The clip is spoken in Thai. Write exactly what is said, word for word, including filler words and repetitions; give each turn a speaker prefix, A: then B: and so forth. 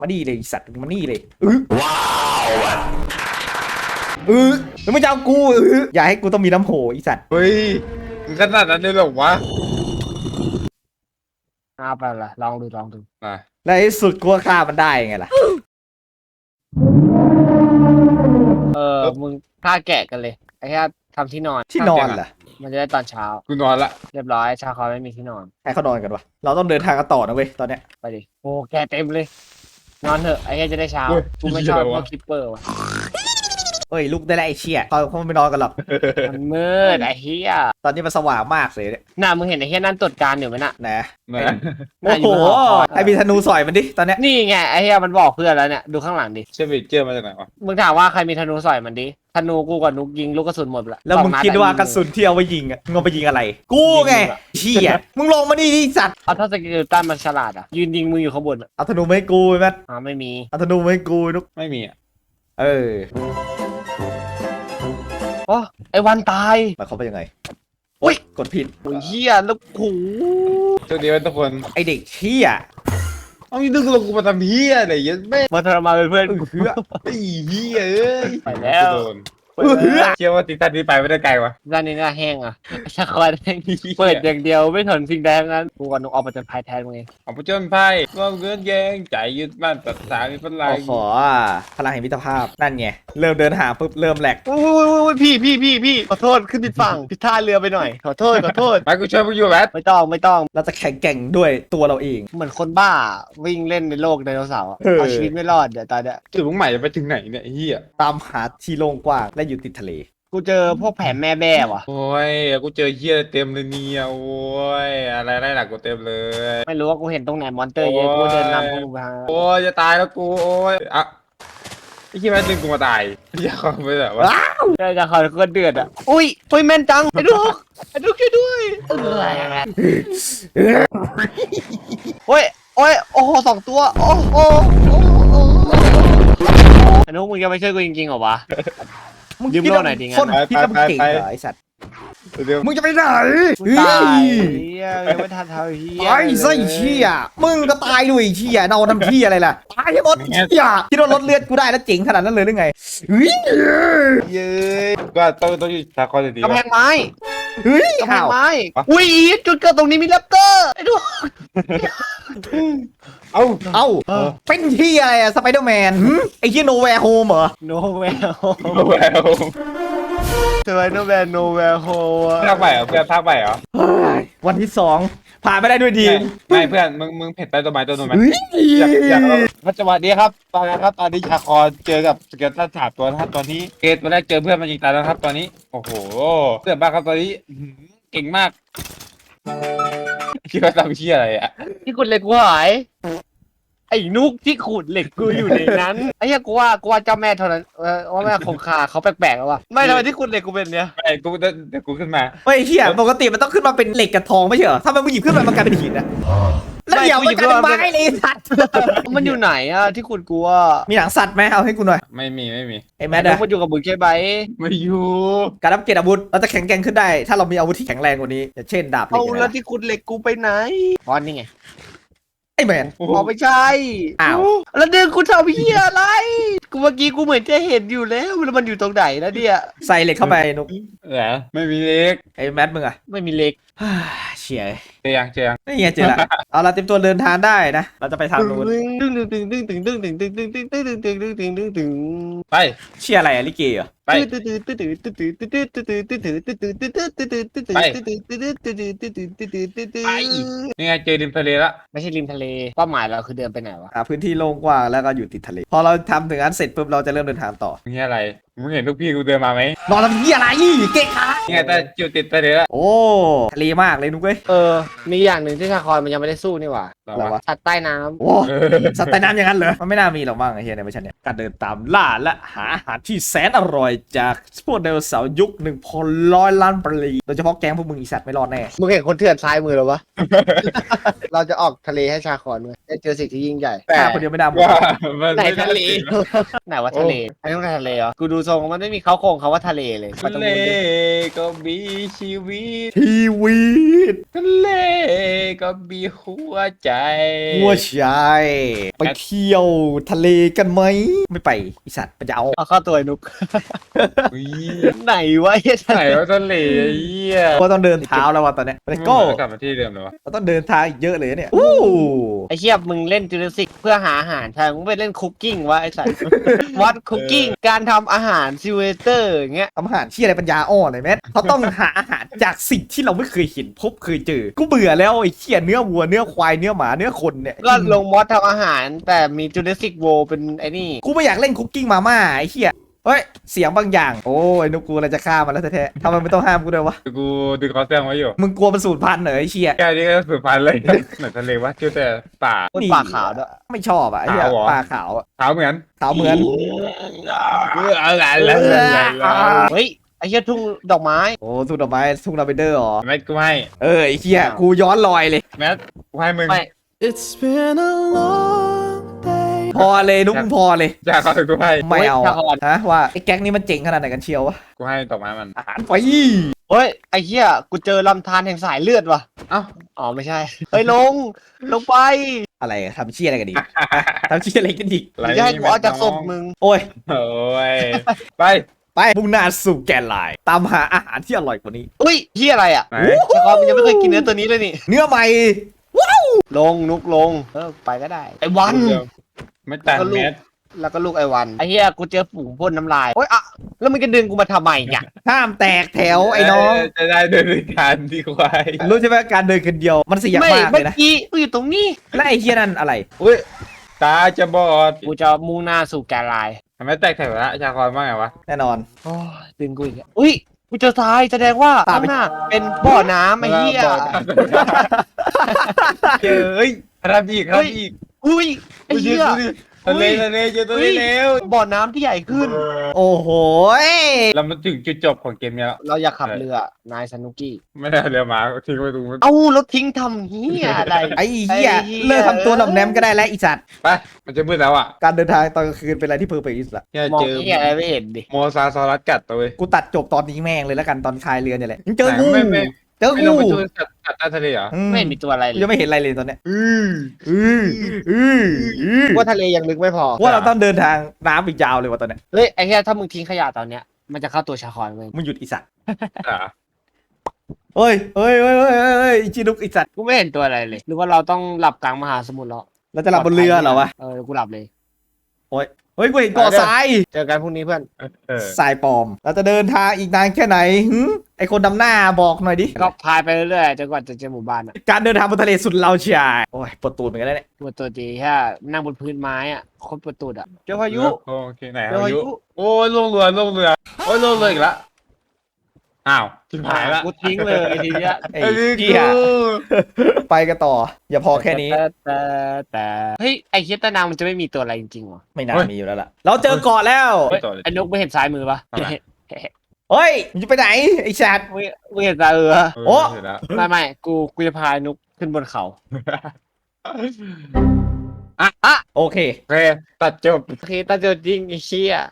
A: มาดีเลยสัตว์มานี่เลยเออว้าวเออแล้วมึงจะเอากูเอออย่าให้กูต้องมีน้ำโหอีสัตว์
B: เฮ้ยมึงขนาดนั้นเลยเหรอวะ
C: เอาไปละลองดูลองดู
B: มา
A: แล้วไอ้สุดกูฆ่ามันได้ไงล่ะ
C: เออมึงฆ่าแกะกันเลยไอ้แค่ทำที่นอน
A: ที่นอนเหรอ
C: มันจะได้ตอนเช้า
B: กูนอนละ
C: เรียบร้อยชาคอไม่มีที่นอน
A: ให้เขานอนกันวะเราต้องเดินทางกันต่อนะเว้ยตอนเนี้ย
C: ไปดิโอ้แกเต็มเลยนอนเถอะไอ้แค่จะได้เช้ากูไม่ชอบพวกคิปเปอร์ว่ะ
A: เอ้ยลุกได้แล้วไอ้เชี่ยตอนเขาไม่นอนกันหรอก
C: มันมืดไอ้เหี้ย
A: ตอนนี้มันสว่างมากเลยเนี่ย
C: น่ะมึงเห็นไอ้เหี้ยนั่นตรวจการอยู่ไหมน่ะ
A: นะ
C: โอ้
A: โหไอ้มีธนูสอยมันดิตอนเนี้ย
C: นี่ไงไอ้เหี้ยมันบอกเพื่อนแล้วเนี่ยดูข้างหลังดิ
B: เชื่อมเจอมาจากไหนวะ
C: มึงถามว่าใครมีธนูสอยมันดิธนูกูกับนุกยิงลูกกระสุนหมดละ
A: แล้วมึงคิดว่ากระสุนที่เอาไปยิงอ่ะมึงเอาไปยิงอะไรกูไงเชี่ยมึงลงมาดิสัตว์
C: เอาถ้าสกิลตันมันฉลาดอ่ะยืนยิงมืออยู่ข้างบน
A: เอาธนูไม่กูแม่
C: อ๋อไม่มี
A: เอาธนูไม่กูนุก
B: ไม่มีอ่ะ
A: เออ
C: โอ้ไอ้วันตาย
A: หมายความว่ายังไง
C: โอ้ย
A: กดผิด
C: โอ้ยเหี้ยแล้วโห
B: โชคดีไว้ทุกคน
A: ไอเด็กเชี่ย
B: เอาอีดึงลงกูมาทำเฮียอะไรยันแม่
C: มาทรมานเป็นเพื่อน
A: กูเหือ
B: ไอ้เฮียเอ้ย
C: ไปแล้ว
B: เชื่อว่าติดตันนี้ไปไม่ได้ไกลวะ
C: ด้านนี้น่าแห้งอ่ะชาคอยแห้งเปิดอย่างเดียวไม่ทนสิ่งใดทั้งนั้นกูกับนุกออกมาจนพายแทนมึงเอง
B: เอาไปจนไพ่ร่วมเงื่อนแยงใจยึดมั่นตัดสายมีพลัง
A: ขอพลังแห่งมิตรภาพนั่นไงเริ่มเดินหาปุ๊บเริ่มแหลก
C: โอ้ยพี่พี่พี่พี่ขอโทษขึ้นผิดฝั่งผิดท่าเรือไปหน่อยขอโทษขอโทษ
B: ไปกูช่วยมึงอยู่แมท
C: ไม่ต้องไม่ต้อง
A: เราจะแข่งแกร่งด้วยตัวเราเอง
C: เหมือนคนบ้าวิ่งเล่นในโลกไดโนเสาร์เอาชีวิตไม่รอดเดี๋ยวตายเดี๋ยว
B: จุดมุ่งหมายจะไปถึงไหนเนี่ยเฮีย
A: ตามหาที่โล่งกว้างและอยู่ติดทะเล
C: กูเจอพวกแผ่นแม่แบ้ว่ะ
B: โอ้ยกูเจอเฮียเต็มเลยเนี่ยโอ้ยอะไรได้หลักกูเต็มเลย
C: ไม่รู้ว่ากูเห็นตรงไหนมอนเตอร์เยอะกูเดินนำพวกมึงไป
B: โอ้ยจะตายแล้วกูโอ้ยอ่ะไอ้ที่แม่ดึงกูมาตายอยากไปแบบว่า
C: ใช่จะคอยก็เดือดอ่ะอุ้ยอุ้ยแม่นจังไอ้ลูกไอ้ลูกช่วยด้วยโอ้ยโอ้ยโอ้โหสองตัวโอ้โหไอ้นุ๊กมึงจะไม่ช่วยกูจริงๆเหรอวะ
A: มึงคิดว่าคนพี่ก็เก่งเหรอไอสัตว์มึงจะไปไหน
C: ตายยังไม่ทันเท่าเฮีย
A: ไอ้ไส้เชี่ยมึงก็ตายด้วยเชี่ยนอนทำเชี่ยอะไรล่ะตายให้หมดเชี่ยคิดว่าลดเลือดกูได้แล้วเจ๋งขนาดนั้นเลยหรือไง
B: เฮ้ยก็ต้องต้องอยู่ตาคอนดี
C: กำแพงไม้
A: เฮ้ย
C: กำแพงไม้อุ้ยจุดเกิดตรงนี้มีแรปเตอร์ไอ้ดู
B: เอา
A: เอาเป็นที่อะไรอะสไปเดอร์แมนไอ้ที่โนแวร์โฮมเหรอ
C: โนแวร์โฮมโนแวร์โฮมสไปเดอร์แมนโนแวร์โฮม
B: ภาคใหม่เหรอเพื่อนภาคใหม่เหรอ
A: วันที่สองผ่านไม่ได้ด้วยดี
B: ไม่เพื่อนมึงมึงเผ็ดใต้ต้นไม้ต้นนู้นไหม
A: อยากอยาก
B: ปัจจุบันนี้ครับตอนนี้ครับตอนนี้ชาคอเจอกับสเกลตันสามตัวนะครับตอนนี้เกตมาแรกเจอเพื่อนมันยิงตายแล้วครับตอนนี้โอ้โหเพื่อนบ้าครับตอนนี้เก่งมากคิดว่าทำเชี่ยอะไรอ่ะ
C: ที่ขุดเหล็กกูหายไอ้นุกที่ขุดเหล็กกูอยู่ในนั้นไอ้เหี้ยกูว่ากูว่าเจ้าแม่เท่านั้นเออว่าแม่คงคาเขาแปลกๆแล้ววะไม่ทำไมที่ขุดเหล็กกูเป็นเนี้ย
B: ไม่กูเดี๋ยวกูขึ้นมา
A: เฮ้ยเชี่ยปกติมันต้องขึ้นมาเป็นเหล็กกับทองไม่ใช่เหรอถ้ามันหยิบขึ้นมามันกลายเป็นหินอะแล้วเดี๋ยวมันกลายเป็นไม้เลยสัตว์
C: มันอยู่ไหนอะที่ขุดกูอ่ะ
A: มีหนังสัตว์ไหมเอาให้กูหน่อย
B: ไม่มีไม่มี
A: ไอ้แมทอะ
C: มันอยู่กับบุญใช่ไหม
B: ไม่อยู่
A: การอัปเกรดอาวุธเราจะแข็งแกร่งขึ้นได้ถ้าเรามีอาวุธที่แข็งแรงกว่านี้อย่างเช่นดาบเหล็ก
C: เอาแล้วที่ขุดเหล็กกูไปไหนอ๋อนี่ไง
A: ไอ้แมน
C: อ๋อไม่ใช่
A: อ้าว
C: แล้วเดินกูทำเหี้ยอะไรกูเมื่อกี้กูเหมือนจะเห็นอยู่แล้วแล้วมันอยู่ตรงไหนแล้วเนี่ย
A: ใส่เหล็กเข้าไปนุ๊ก
B: เหรอไม่มีเหล็ก
A: ไอ้แมทมึงอะ
C: ไม่มีเหล็ก
A: เฉีย
B: เจียงเจียง
A: นี่ไงเจอละเอาละเตรียมตัวเดินทางได้นะเราจะไปทางนู้น
C: ตึ้งตึ้งตึ้งตึ้งตึ้งตึ้งตึ้งตึ้งตึ้งตึ้งตึ้งตึ้งตึ้งตึ้งตึ้งตึ้งตึ้ง
B: ไป
A: เชี่ยอะไรอะลิเกเหรอ
B: ไปนี่ไงเจอริมทะเลละ
C: ไม่ใช่ริมทะเลเป้าหมายเราคือเดินไปไหนวะ
A: อ่าพื้นที่โล่งกว้างแล้วก็อยู่ติดทะเลพอเราทำถึงนั้นเสร็จปุ๊บเราจะเริ่มเดินทางต่อ
B: นี่อะไรมึงเห็นลูกพี่กูเดินมาไหม
A: นอนทำเหี้ยอะไรเก่งค่ะ
B: นี่ไงแต่อยู่ติดทะเลละ
A: โอ้ทะเลมากเลยนุ๊กเว้ย
C: เออมีอย่างหนึ่งที่ชาคอยมันยังไม่ได้สู้นี่หว่า
A: อะไรวะ
C: สัตว์ใต้น้ำ
A: โอ้สัตว์ใต้น้ำอย่างนั้นเหรอมันไม่น่ามีหรอกมั้งไอ้เหี้ยในเวอร์ชันเนี้ยการเดินตามล่าและหาอาหารที่แสนอร่อยจากพวกไดโนเสาร์ยุคหนึ่งพันร้อยล้านปีโดยเฉพาะแก๊งพวกมึงอีสัตว์ไม่รอดแน่
C: มึงเห็นคนเถื่อนซ้ายมือหรอวะเราจะออกทะเลให้ชาคอนเลยจะเจอสิ่งที่ยิ่งใหญ่
A: แต่คนเดียวไม่ได้
C: ไหนทะเลไหนวะทะเลไอ้ต้องทะเลเหรอกูดูทรงมันไม่มีเขาโครงเขาว่าทะเลเลยมัน
B: ทะ
C: ต้อง
B: เล
C: มุดดิ
B: ก็มีชีวิต
A: ทีวีด
B: ทะเลก็มีหัวใจ
A: หัวใจไปเที่ยวทะเลกันไหมไม่ไปไอสัตว์มันจะเอา
C: เอาเข้าตัวไอ้นุก
B: อุ๊ย
C: ไหนวะไอ้เหี้ย
B: ไหนว่าทะเลไอ้เหี้ย
A: ก็ต้องเดินเท้าแล้วว่ะตอนเนี้ยเลโก้
B: กลับมาที่เดิมเลยวะ
A: เราต้องเดินทางอีกเยอะเลยเนี่ยอู้
C: ไอ้เหี้ยมึงเล่นจูเลสิกเพื่อหาอาหารใช่มึงไปเล่นคุกกิ้งวะไอ้สัตว์ วัดคุกกิ้งการทำอาหารซิเวเตอร์อย่างเงี้ย
A: ทำอาหารที่อะไรปัญญาอ่อนเลยแม่เขาต้องหาอาหารจากสิ่งที่เราไม่เคยเห็นพบเคยเจอกูเบื่อแล้วไอ้เหี้ยเนื้อวัวเนื้อควายเนื้อหมาเนื้อคนเนี่ย
C: ก็ลงมอสทำอาหารแต่มีจูเลสิกโวเป็นไอ้นี่
A: กูไม่อยากเล่นคุกกิ้งมาม่าไอ้เหี้ยเฮ้ยเสียงบางอย่างโอ้ยนุกกูอะไรจะฆ่ามันแล้วแท้ๆทำไมไม่ต้องห้ามกูด้วยวะ
B: กูดึงคอแซงไว้อยู่
A: มึงกลัวมันสูญพันธุ์เหรอไอ้เชี่ย
B: แค่นี้ก็สุดพันเลยเหมือนทะเลวะชื่อแต่ป่า
C: คนปากขาวด้วย
A: ไม่ชอบอ่ะไอ้เหี้ย
B: ขาวเหรอ
A: ปลาขาวอะ
B: ขาวเหมือน
A: ขาวเหมือน
B: เอออะไรแล้ว
C: เฮ้ยไอ้เหี้ยทุ่งดอกไม้
A: โอ้ทุ่งดอกไม้ทุ่งลาเวนเดอร์เหรอ
B: ไม่กูให้
A: เออไอ้เหี้ยกูย้อนรอยเลย
B: แมทกูให้มึง
C: ไม่
D: It's been a long day.
A: พอเลยนุกมึงพอเลย
B: จากเขาถึงกูให้
A: ไม่เอา
C: โอ้ย
A: อะ
C: ชาคอน
A: ฮะว่าไอ้แก๊งนี้มันเจ๋งขนาดไหนกันเชียววะ
B: กูให้ดอกไม้มัน
A: อาหารไฟ
C: เฮ้ยไอ้เหี้ยกูเจอลำธารแห่งสายเลือดว่ะ
B: เอ้า
C: อ๋อไม่ใช่เฮ้ยลงลงไป
A: อะไรอะทำเชี่ยอะไรกันดีฮะทำเชี่ยอะไรกันดี
C: มึงจะให้กูเอาจากศพมึง
A: โอ้ย
B: โอ้ยไป
A: ไปมุ่งหน้าสู่แกนไลน์ตามหาอาหารที่อร่อยกว่านี้
C: อุ้ยเหี้ยอะไรอ่ะ
B: ไหน
C: ชาคอนมึงยังไม่เคยกินเนื้อตัวนี้เลยนี่
A: เนื้อใหม่
C: ลงนุกลงเออไปก็ได้ไอ้วัน
B: ไม่ต่างแมท
C: แล้วก็ลูกไอ้วันไอ้เหี้ยกูเจอฝูงพ่นน้ำลายโอ๊ยอะแล้วมึงจะดึงกูมาทำไมเนี่ย
A: ห้ามแตกแถวไอ้น้อง
B: จะได้เดินด้วยกันดีกว่า
A: รู้ใช่ไหมการเดินคนเดียวมันเสี่ยง
C: ไม่
A: มากเล
C: เมื่อย
A: นะ
C: กี้กูอยู่ตรงนี้
A: และไอ้เหี้ยนั่นอะไร
B: อุ้ยตาจะบอด
C: กูจะมุ่งหน้าสู่แกนไลน์
B: ทำไมแตกแถวละชาคอนว่าไงวะ
A: แน่นอน
C: โอ้ยดึงกูอีกแล้วอุ้ยกูเจอทรายแสดงว่า
A: ตาม
C: ข้าง
A: ไป
C: หน้าเป็นบ่อน้ำไอ้เหี้ย
B: เฮ้ยครับอีกครับอีก
C: อุ้ยไอ้เหี้ย
B: ทะเลทะเลเจอทะเลเร็ว
C: บ่อน้ำที่ใหญ่ขึ้น
A: โอ้โหย
B: เรามาถึงจุดจบของเกมนี้แล้ว
C: เราอยากขับเรือนายสนุกี้
B: ไม่ได้เรือมาทิ้งไว้ตรงนู้น
C: เอ้ารถทิ้งทำเหี้ยอะไร
A: ไอ้เหี้ย
C: ไอ้เหี้ย
A: เลิกทำตัวหน่อมแนมก็ได้แล้วไอีสัตว์
B: ไปมันจะมืดแล้วอ่ะ
A: การเดินทางตอนกลางคืนเป็นอะไรที่เพอร์เฟกต์ที่สุดละ
B: เนี่ย
C: มอง
B: เจอ
C: เหี้ยอะไรไม่เห็นดิ
B: โมซาซอรัสกัดตัวเว้ย
A: กูตัดจบตอนนี้แม่งเลยแล้วกันตอนคลายเรือเนี่ยแหละยังเจอกู
B: ไม่ไม่
A: เจอ
B: ไม่
A: กู
B: ลงไปช่วยกัดกัดใต้ทะเลเหรอ
A: อื
C: ไม่เห็นมีตัวอะไร
A: กู
C: เล
A: ยัง
C: ย
A: ไม่เห็นอะไรเลยตอนเนี้ย
B: อือ
A: อืออืออือ
C: ว่าทะเลยังลึกไม่พอ
A: ว่าเราต้องเดินทางน้ำอีกยาวเลยว่ะตอนเนี้ย
C: เฮ้ยไอ้เหี้ยถ้ามึงทิ้งขยะตอนเนี้ยมันจะเข้าตัวชาคอนเว้ย
A: มึงหยุดไอีสัตว์
B: อ่ะ
A: เฮ้ยเฮ้ยเฮ้ยเฮ้ยเฮ้ยเฮ้ยไอ้จีนุกไอีสัตว์
C: กูไม่เห็นตัวอะไรเลย หรือว่าเราต้องหลับกลางมหาสมุทรแล้ว
A: เราจะหลับบนเรือเหรอวะ
C: เออกูหลับเลย
A: เฮ้ยกูเห็นเกาะทราย
C: เจอกันพรุ่งนี้เพื่อน
B: เออ
A: ทรายปลอม เราจะเดินทางอีกนานแค่ไหนหึไอคนดำหน้าบอกหน่อยดิ
C: ก็พายไปเรื่อยๆจนกว่าจะเจอหมู่บ้านอ่ะ
A: การเดินทางบนทะเลสุดเราเชียร์โอ้ยปวดตูดเหมือนกันแล้วเนี่ย
C: ปวดตัวจีแค่นั่งบนพื้นไม้อ่ะโคตรปวดตูดอ่ะเจอพายุ
B: โอเคไหน
C: เจอ
B: พา
C: พา
B: ยุ
C: ยุ
B: โอ้ยลงเรือลงเรือโอ้ยลงเรืออีกแล้วอ้าวทิ้งหายละ
C: กูทิ้งเลยทีเนี้ย
A: ไอ้
B: ไอ้นี่
A: เหี้ย
B: กู
A: ไปกันต่อ อย่าพอแค่นี้
C: แต่แต่แต่เฮ้ยไอ้เฮียตานางมันจะไม่มีตัวอะไรจริงๆวะ
A: ไม่น่ามีอยู่แล้วล่ะ เราเจอเกาะแล้ว
B: เฮ้ยต่อเลย
C: ไอ้นกไม่เห็นซ้ายมือปะ
B: ทำไม
A: เฮ้ยมึงจะไปไหนไอ้สัตว์
C: ไม่ไม่เห็นซ้ายมือปะ
A: โอ้
B: เสร็จแล้ว
C: ไม่ไม่กูกูจะพานุกขึ้นบนเขา
A: โอเค
B: โอเคตัดจบ
C: โอเคตาเจอจริงไอ้เชี่ย